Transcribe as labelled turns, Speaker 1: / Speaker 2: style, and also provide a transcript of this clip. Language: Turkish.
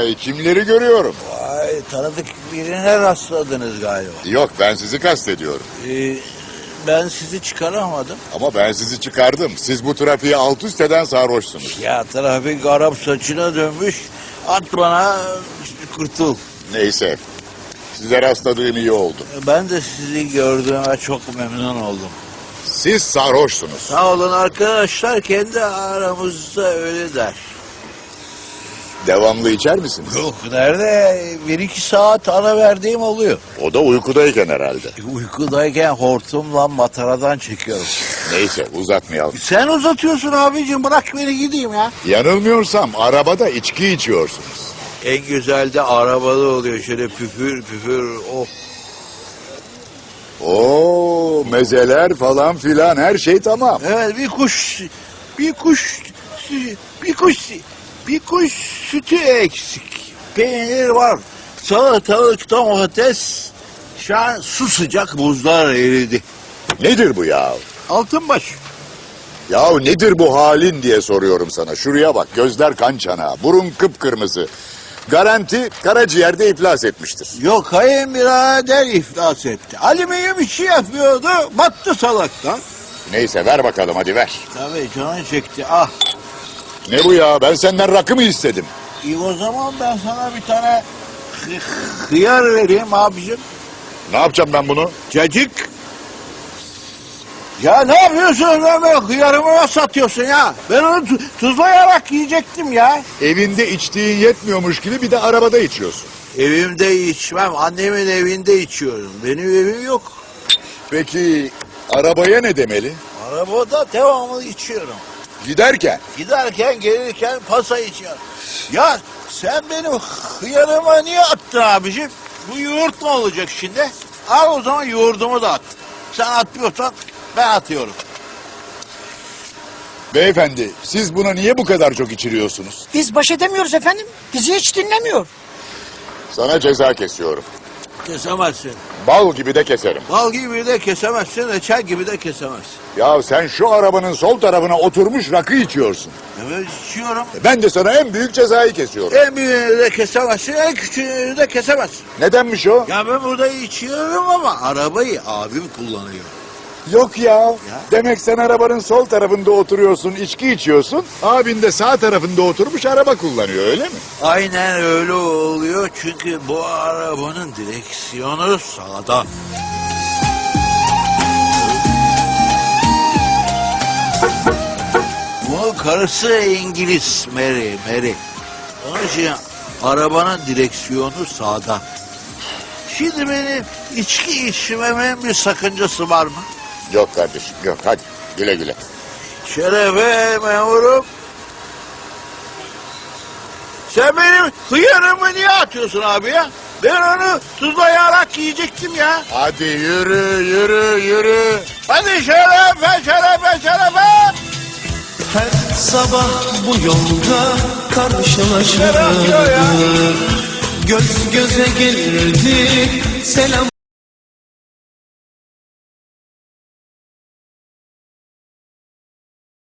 Speaker 1: Vay, kimleri görüyorum?
Speaker 2: Vay, tanıdık birine rastladınız galiba.
Speaker 1: Yok, ben sizi kastediyorum.
Speaker 2: Ben sizi çıkaramadım.
Speaker 1: Ama ben sizi çıkardım. Siz bu trafiği alt üst eden sarhoşsunuz.
Speaker 2: Ya trafik Arap saçına dönmüş. At bana, kurtul.
Speaker 1: Neyse, size rastladığım iyi oldu.
Speaker 2: Ben de sizi gördüğüme çok memnun oldum.
Speaker 1: Siz sarhoşsunuz.
Speaker 2: Sağ olun arkadaşlar, kendi aramızda öyle der.
Speaker 1: Devamlı içer misiniz?
Speaker 2: Yok, nerede? 1-2 saat ara verdiğim oluyor.
Speaker 1: O da uykudayken herhalde.
Speaker 2: Uykudayken hortumla mataradan çekiyorum.
Speaker 1: Neyse, uzatmayalım.
Speaker 2: Sen uzatıyorsun abicim, bırak beni gideyim ya.
Speaker 1: Yanılmıyorsam arabada içki içiyorsunuz.
Speaker 2: En güzel de arabalı oluyor, şöyle püfür püfür. Oh.
Speaker 1: Oo, mezeler falan filan, her şey tamam.
Speaker 2: Evet, bir kuş sütü eksik. Peynir var. Salatalık, domates. Şu an su sıcak, buzlar eridi.
Speaker 1: Nedir bu ya?
Speaker 2: Altınbaş.
Speaker 1: Yahu nedir bu halin diye soruyorum sana. Şuraya bak, gözler kan çanağı, burun kıpkırmızı. Garanti karaciğerde iflas etmiştir.
Speaker 2: Yok, kayınbirader iflas etti. Alüminyum işi yapıyordu, battı salaktan.
Speaker 1: Neyse, ver bakalım, hadi ver.
Speaker 2: Tabii, canı çekti. Ah.
Speaker 1: Ne bu ya, ben senden rakı mı istedim?
Speaker 2: İyi, o zaman ben sana bir tane hıyar vereyim abicim.
Speaker 1: Ne yapacağım ben bunu?
Speaker 2: Cacık. Ya ne yapıyorsun lan, böyle hıyarımı nasıl satıyorsun ya? Ben onu tuzlayarak yiyecektim ya.
Speaker 1: Evinde içtiğin yetmiyormuş gibi bir de arabada içiyorsun.
Speaker 2: Evimde içmem, annemin evinde içiyorum. Benim evim yok.
Speaker 1: Peki arabaya ne demeli?
Speaker 2: Arabada devamlı içiyorum.
Speaker 1: Giderken.
Speaker 2: Giderken gelirken pasa içiyorum. Ya sen benim hıyarıma niye attın abicim? Bu yoğurt ne olacak şimdi? Al o zaman yoğurdumu da at. Sen atmıyorsan ben atıyorum.
Speaker 1: Beyefendi, siz buna niye bu kadar çok içiriyorsunuz?
Speaker 3: Biz baş edemiyoruz efendim. Bizi hiç dinlemiyor.
Speaker 1: Sana ceza kesiyorum.
Speaker 2: Kesemezsin.
Speaker 1: Bal gibi de keserim.
Speaker 2: Bal gibi de kesemezsin, reçel gibi de kesemezsin.
Speaker 1: Ya sen şu arabanın sol tarafına oturmuş rakı içiyorsun.
Speaker 2: Evet, içiyorum.
Speaker 1: Ben de sana en büyük cezayı kesiyorum.
Speaker 2: En büyüğünü de kesemezsin, en küçüğünü de kesemezsin.
Speaker 1: Nedenmiş o?
Speaker 2: Ya ben burada içiyorum ama arabayı abim kullanıyor.
Speaker 1: Yok ya. Demek sen arabanın sol tarafında oturuyorsun, içki içiyorsun. Abin de sağ tarafında oturmuş araba kullanıyor, öyle mi?
Speaker 2: Aynen öyle oluyor, çünkü bu arabanın direksiyonu sağda. Bunun karısı İngiliz, Mary. Onun için arabanın direksiyonu sağda. Şimdi benim içki içmemin bir sakıncası var mı?
Speaker 1: Yok kardeşim, yok. Hadi güle güle.
Speaker 2: Şerefe memurum. Sen benim hıyarımı niye atıyorsun abi ya? Ben onu tuzlayarak yiyecektim ya.
Speaker 1: Hadi yürü.
Speaker 2: Hadi şerefe.
Speaker 4: Her sabah bu yolda karşılaşırdık.
Speaker 2: Şeref diyor ya.
Speaker 4: Göz göze gelirdik. Selam